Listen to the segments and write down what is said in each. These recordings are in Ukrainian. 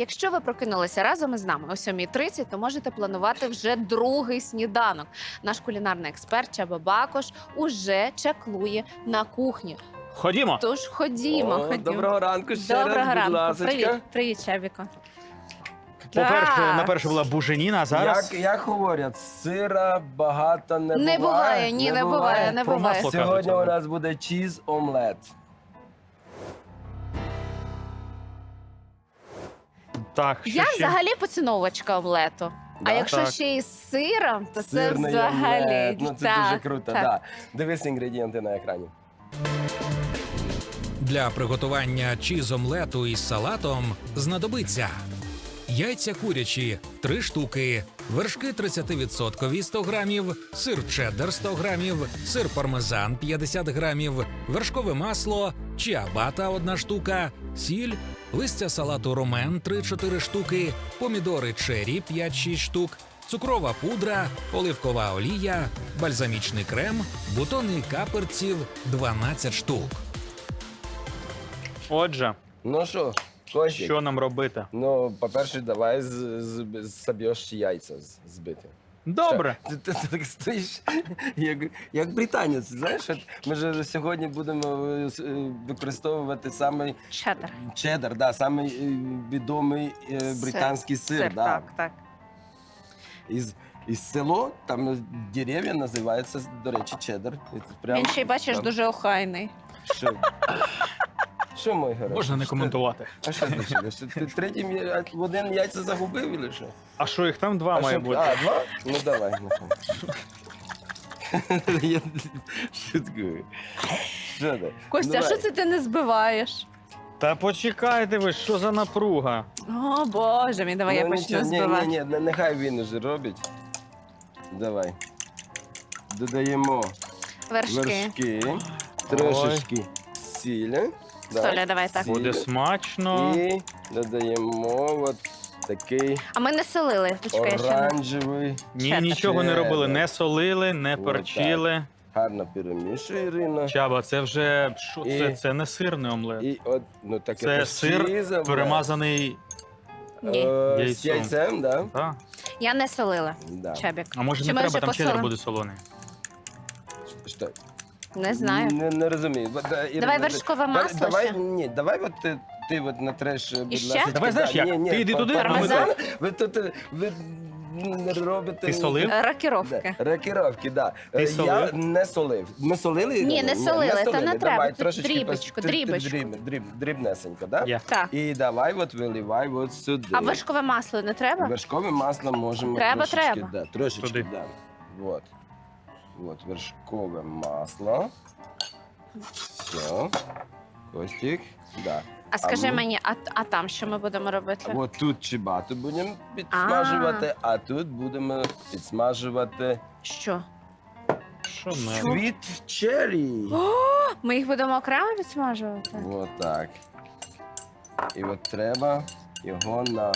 Якщо ви прокинулися разом із нами о 7:30, то можете планувати вже другий сніданок. Наш кулінарний експерт Чаба Бакош уже чаклує на кухні. Ходімо. Тож ходімо, ходімо. Доброго ранку ще Доброго раз, будь ранку. ласочка. Привіт, привіт, Чабіко. По-перше, Так. на-перше була буженіна, а зараз... Як говорять, сира багато не буває. Не буває, ні, не буває, не Про буває. масло. Сьогодні кажуть, у нас буде чіз-омлет. Так, Я що ще? взагалі поціновувачка омлету. А Да? якщо Так. ще із сиром, то це Сирний взагалі. омлет. Ну, це так, дуже круто, так. да. Дивись інгредієнти на екрані. Для приготування чіз-омлету із салатом знадобиться яйця курячі – 3 штуки, вершки 30% – 100 грамів, сир чеддер – 100 грамів, сир пармезан – 50 грамів, вершкове масло, чіабата – 1 штука, сіль, листя салату ромен – 3-4 штуки, помідори чері – 5-6 штук, цукрова пудра, оливкова олія, бальзамічний крем, бутони каперців – 12 штук. Отже, Ну що, Костік? що нам робити? Ну, по-перше, давай соб'єш яйця збити. Добре. Ти так стоїш, як британець, знаєш? От ми ж сьогодні будемо використовувати саме Чеддер. чеддер, да, самий відомий британський сир. Да. Так, так. Із село, там дерев'я називається, до речі, чеддер. І це прям, Він ще й бачиш там, дуже охайний. Що? Що, мой герой? Можна не коментувати. А що значить? Що ти третім в один яйця загубив, чи що? А що, їх там два має що? бути? А, два? Ну, давай. Я шуткую. Що ти? Костя, а Давай. що це ти не збиваєш? Та почекайте ви, що за напруга? О, Боже мій, давай я Ну, почну нічого, збивати. Ні, нехай він уже робить. Давай. Додаємо Вершки. трошечки сілі. да, Соля, давай так. сіль. Буде смачно. І додаємо от такий А ми не солили. Почекай, я ще не. оранжевий. Ні, Чеддер. нічого не робили, Чеддер. не солили, не Отак. перчили. Гарно перемішуй, Ірина. Чаба, це вже, що І- це? Це не сирний омлет. І от, ну таке Це то сир чізове. перемазаний. Ні. З Яйцом. яйцем, да? Так. Я не солила, Да. Чабік. А може Чи не ми треба, вже там чеддер посолимо? буде солоний. Що? Не знаю. Не розумію. Давай вершкове масло Давай, ще. ні, давай от ти от натреш, будь ще? ласка. Давай, знаєш як? Ти йди туди, а ми пармезан. Ви тут не робите... Ти солив? Рокіровки. Рокіровки, да. Ти Я солив? не солив. Ми солили? Ні, Ірина? не солили, та не треба. Давай Тут трошечки дрібочку, дрібочку. дрібнесенько, да? Я. Так. І давай от виливай от сюди. А вершкове масло не треба? Вершкове масло можемо Треба, трошечки, треба. Да, трошечки, Туди. да. Вот. Вот вершкове масло. Все. Костик, да. А скажи ми- мені, а там що ми будемо робити? От тут чибату будемо підсмажувати, а тут будемо підсмажувати Що? Що ми? світ черрі. Ми їх будемо окремо відсмажувати? Вот так. І от треба його на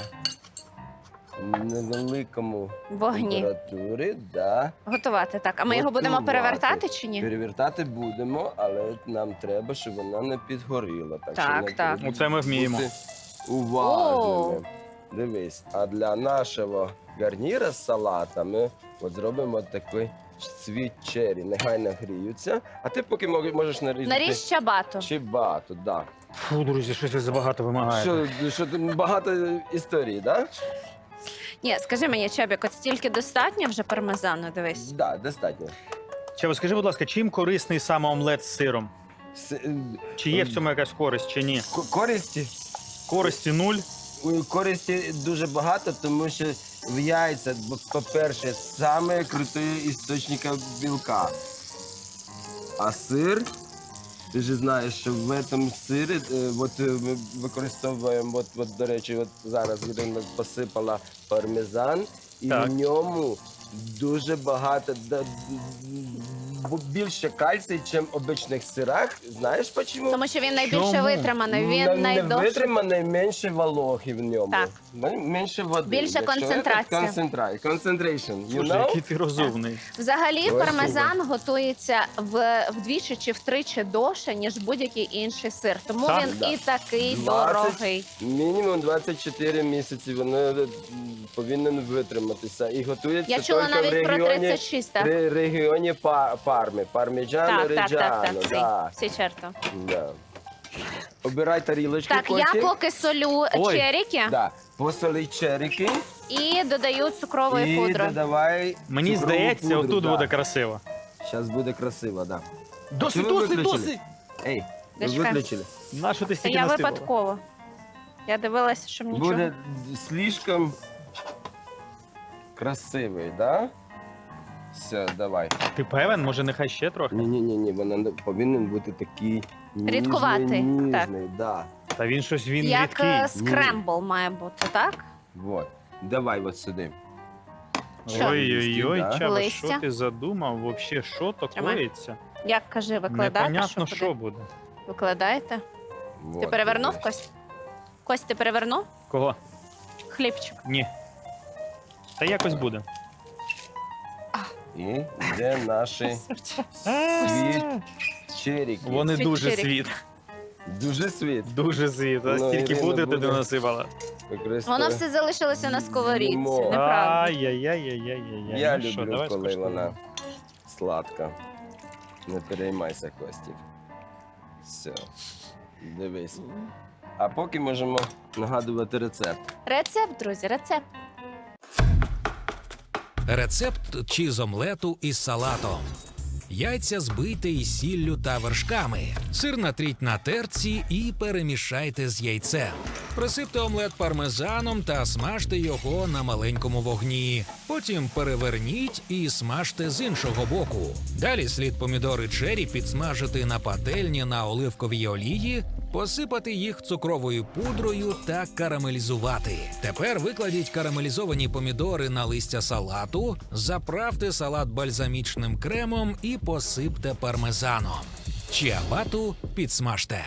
невеликому Вогні. температурі, да. Готувати, так. А ми його будемо Готувати. перевертати чи ні? Перевертати будемо, але нам треба, щоб вона не підгоріла. Так, Так, що нам так. треба Оце ми вміємо. бути уважними. Дивись, а для нашого гарніра з салатами от зробимо такий світ черрі. Нехай нагріються, а ти поки можеш нарізати Наріж чабату. чибату. Да. Фу, друзі, щось ви забагато вимагаєте. Що тут багато історій, да? Ні, скажи мені, Чабік, от стільки достатньо вже пармезану, дивись. Да, достатньо. Чаба, скажи, будь ласка, чим корисний саме омлет з сиром? Чи є в цьому якась користь, чи ні? Користі? Користі нуль. Користі дуже багато, тому що в яйцях, по-перше, саме крутий істочник білка. А сир, ти ж знаєш, що в цьому сирі, от ми використовуємо, от, до речі, от зараз Ірина посипала пармезан, і Так. в ньому дуже багато, більше кальцій, ніж в обичних сирах. Знаєш чому? Тому що він найбільше Чому? витриманий, він Не найдовше. витриманий, менше вологи в ньому. Так. Менше води. Більше Якщо концентрація. Concentration, you Слушай, know? який ти розумний. Взагалі, Ой, пармезан готується вдвічі чи втричі довше, ніж будь-який інший сир. Тому Так, він да. і такий 20 дорогий. Мінімум 24 місяці воно повинен витриматися. І готується Я чула тільки в навіть про регіоні, 36, так? регіоні Парми. Парміджано, Так, Реджано. Да. всі черто. Да. Обирай тарілочку, Так, я Костя. поки солю Ой. черіки Да. Посоли черіки і додаю цукрової і пудри. додавай Мені цукрову здається, пудру, отут да. буде красиво. Зараз буде красиво, так. Да. Досить, Чого ви досить, виключили? досить! Ей, ви Зачекай. виключили. На що ти Це стільки я насипала? випадково. Я дивилася, щоб нічого. Буде слишком красивий, да? Все, давай. Ти певен? Може, нехай ще трохи? Ні, вона повинен бути такий Рідкуватий, ніжний, да. Та він щось, він Як рідкий. скрембл має бути, так? Вот. Давай от сюди. Що? Ой-ой-ой, Да. Чаба, Листя. що ти задумав? Вообще, що то Тримай. коїться? Як кажи, викладаєте? Непонятно, куди? що буде. Викладаєте? Вот, Ти перевернув, дивись. Кость? Кость, ти перевернув? Кого? Хлібчик. Ні. Та якось буде. І де наші світ черіки. Вони Світ дуже чирік. світ. Дуже світ. Дуже світ. А Ну, стільки Ірина буде, ти буде. не насипала. Воно все залишилося на сковорідці, Їмо. неправда. Ай-яй-яй-яй-яй-яй. Я Ну що, люблю, давай коли скуштуємо. вона сладка. Не переймайся, Костів. Все. Дивись. А поки можемо нагадувати рецепт. Рецепт, друзі, рецепт. Рецепт чіз-омлету із салатом. Яйця збийте із сіллю та вершками. Сир натріть на терці і перемішайте з яйцем. Присипте омлет пармезаном та смажте його на маленькому вогні. Потім переверніть і смажте з іншого боку. Далі слід помідори чері підсмажити на пательні на оливковій олії, посипати їх цукровою пудрою та карамелізувати. Тепер викладіть карамелізовані помідори на листя салату, заправте салат бальзамічним кремом і посипте пармезаном. Чіабату підсмажте.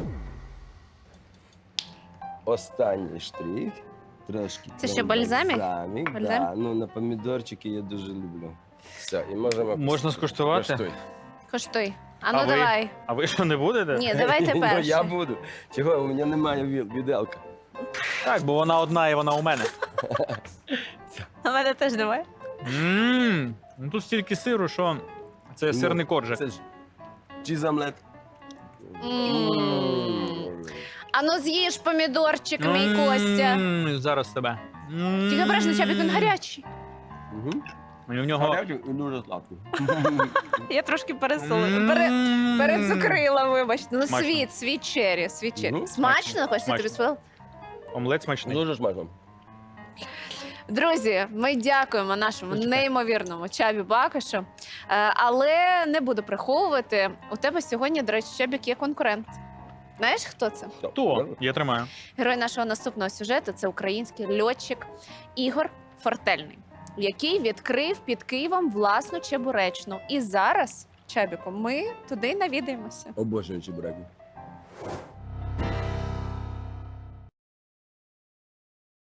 Останній штрих. Трошки. Це ще бальзамік? Бальзамік, Бальзам? да. Ну, на помідорчики я дуже люблю. Все, і можемо... Можна скуштувати? Коштуй. Коштуй. А ну А ви? давай. А ви що, не будете? Ні, давайте Ну, я перший. буду. Чого? У мене немає віделка. Так, бо вона одна і вона у мене. А мене теж давай. Ну тут стільки сиру, що це сирний коржик. Це ж чіз-омлет. А ну з'їж помідорчик, мій Костя. Зараз тебе. Тільки обережно, Чабік, він гарячий. Угу. І в нього... Гарячий і дуже сладкий. Я трошки М. перецукрила, вибачте. Ну, Смачно. світ чері. Мгм. Смачно, Костя, Смачно. тобі сподобалось? Омлет смачний. Дуже смачно. Друзі, ми дякуємо нашому неймовірному Чабі Бакошу. Але не буду приховувати. У тебе сьогодні, до речі, Чабік, є конкурент. Знаєш, хто це? Хто? Я тримаю. Герой нашого наступного сюжету це український льотчик Ігор Фортельний, який відкрив під Києвом власну чебуречну. І зараз, Чабіко, ми туди навідаємося. Обожнюю чебуреки.